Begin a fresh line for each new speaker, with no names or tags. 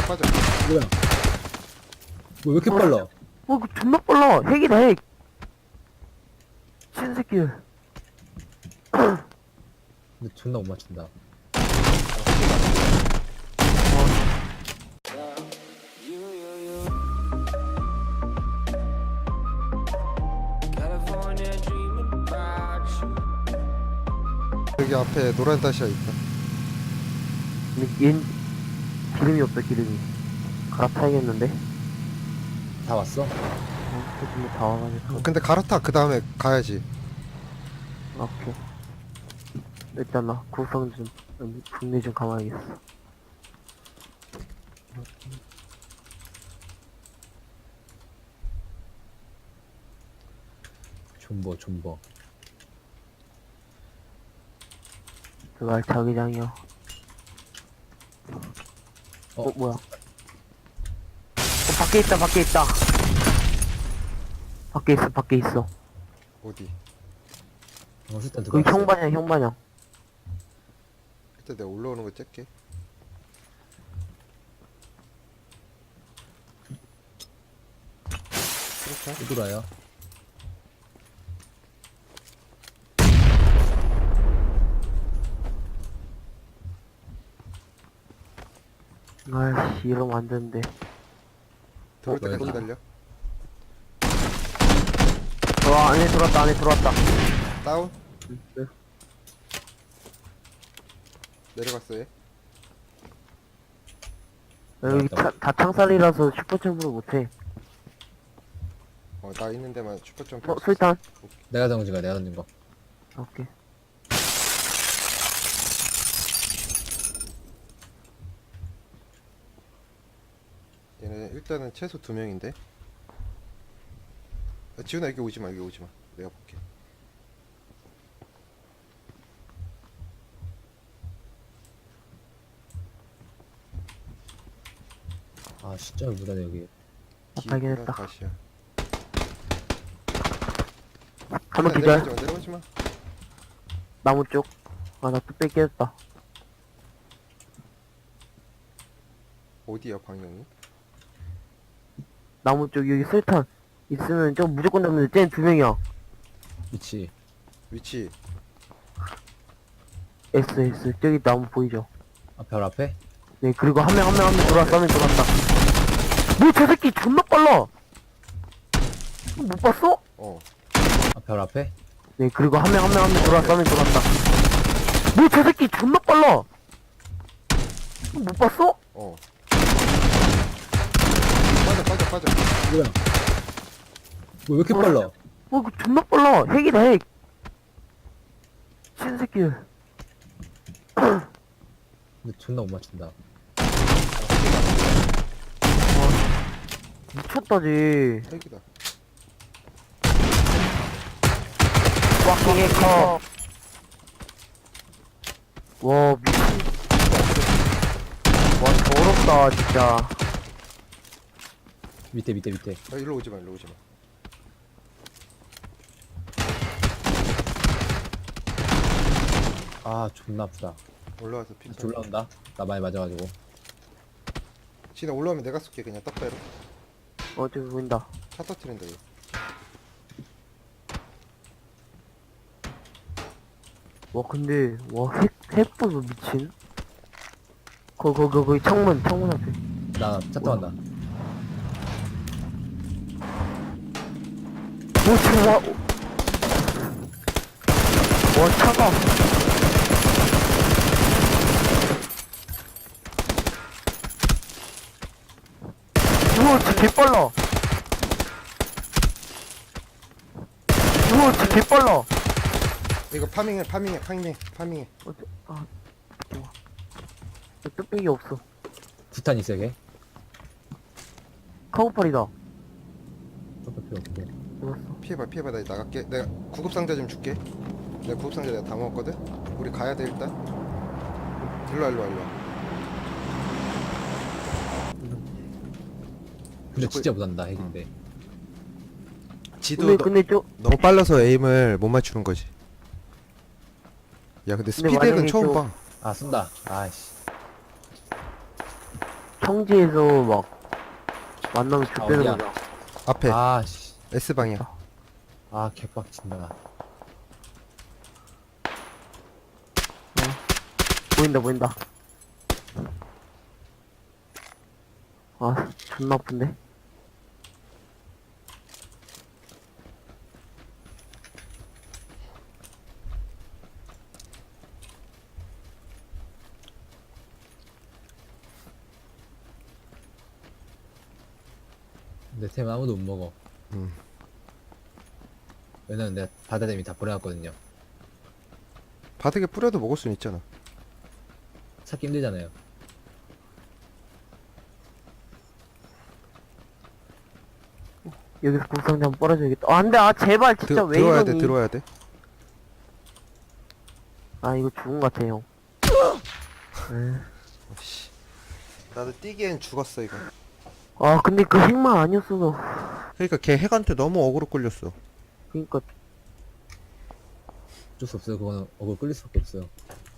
빠져.
뭐야? 뭐 왜 이렇게 빨라?
이거 존나 빨라. 핵이다, 핵. 신새끼들.
근데 존나 못 맞춘다.
여기 앞에 노란 다시아 있다.
근데 얜 기름이 없다, 기름이. 갈아타야겠는데?
다 왔어?
지금 다 와가지고.
근데 갈아타. 그 다음에 가야지.
오케이. 일단 나 구성 좀, 분리 좀 감아야겠어.
존버.
그말 자기장이요. 뭐야. 밖에 있다, 밖에 있다. 밖에 있어.
어디?
일단
그
들어왔어.
형반형.
일단 내가 올라오는 거 찰게.
또 돌아요.
아이씨, 이러면 안 되는데.
들어올 때까지
뭐야,
기다려.
안에 들어왔다.
다운.
네.
내려갔어 얘.
여기 다 창살이라서 슈퍼점프를 못해.
나 있는 데만 슈퍼점프.
술탄.
내가 던진 거.
오케이.
얘네 일단은 최소 2명인데. 지훈아 여기 오지마. 내가 볼게.
아 진짜 무다네 여기.
발견했다.
다시야.
한번 기절.
내려가지마.
나무 쪽. 나 또 뺏겼다.
어디야 방향이?
나무 쪽 여기 술탄 있으면 저 무조건 잡는데 쟤는 2명이야.
위치.
위치.
S 저기 나무 보이죠?
별 앞에?
네, 그리고 한 명 들어왔다. 뭐 저 새끼 존나 빨라. 못 봤어?
별 앞에?
네, 그리고 한 명 들어왔다. 뭐 저 새끼 존나 빨라. 못 봤어?
빠져.
뭐야? 뭐 왜 이렇게 빨라?
이거 존나 빨라. 핵이다, 핵. 신새끼들.
근데 존나 못 맞춘다.
미쳤다지.
핵이다.
꽉킹의 컵. 와, 미친. 와, 더럽다, 진짜.
밑에.
일로 오지마.
아 존나 아프다.
올라와서 피.
올라온다. 나 많이 맞아가지고.
진아 올라오면 내가 쏠게. 그냥 떡배로.
저기 보인다.
차 터트린다 얘.
와, 근데, 핵 보소, 미친. 거기 창문 앞에.
나 차 타간다.
오, 지금 와, 차가. 우와, 진짜 개빨라. 우와, 진짜 개빨라.
이거 파밍해.
좋아. 뚝배기 없어.
구탄 있어 걔?
카고팔이다.
필요 없고.
죽었어.
피해봐. 나 나갈게. 내가 구급상자 좀 줄게. 내가 구급상자 내가 다 먹었거든. 우리 가야 돼 일단. 일로와.
근데 진짜 못한다 핵인데.
지도
근데
너무 빨라서 에임을 못 맞추는 거지. 야 근데 스피드는
만약에
처음
좀-
봐.
아 쏜다. 아이씨.
성지에서 막 만나면 죽되는
어디야?
거죠.
앞에
아씨.
S방이야.
아 개빡친다.
보인다 보인다. 아 존나 아픈데.
내 템 아무도 못 먹어.
음.
왜냐면 내가 바다댐이 다 버려놨거든요.
바닥에 뿌려도 먹을 수는 있잖아.
찾기 힘들잖아요.
여기서 국상자 한번 빨아줘야겠다. 아 안돼. 아 제발 진짜 왜
들어와야
이러니.
돼, 들어와야 돼.
아 이거 죽은 것 같아 형. 에.
씨. 나도 뛰기엔 죽었어 이거.
아 근데 그 핵만 아니었어도.
그러니까 걔 핵한테 너무 어그로 끌렸어.
그니까
어쩔 수 없어요. 그거는 어글 끌릴 수밖에 없어요.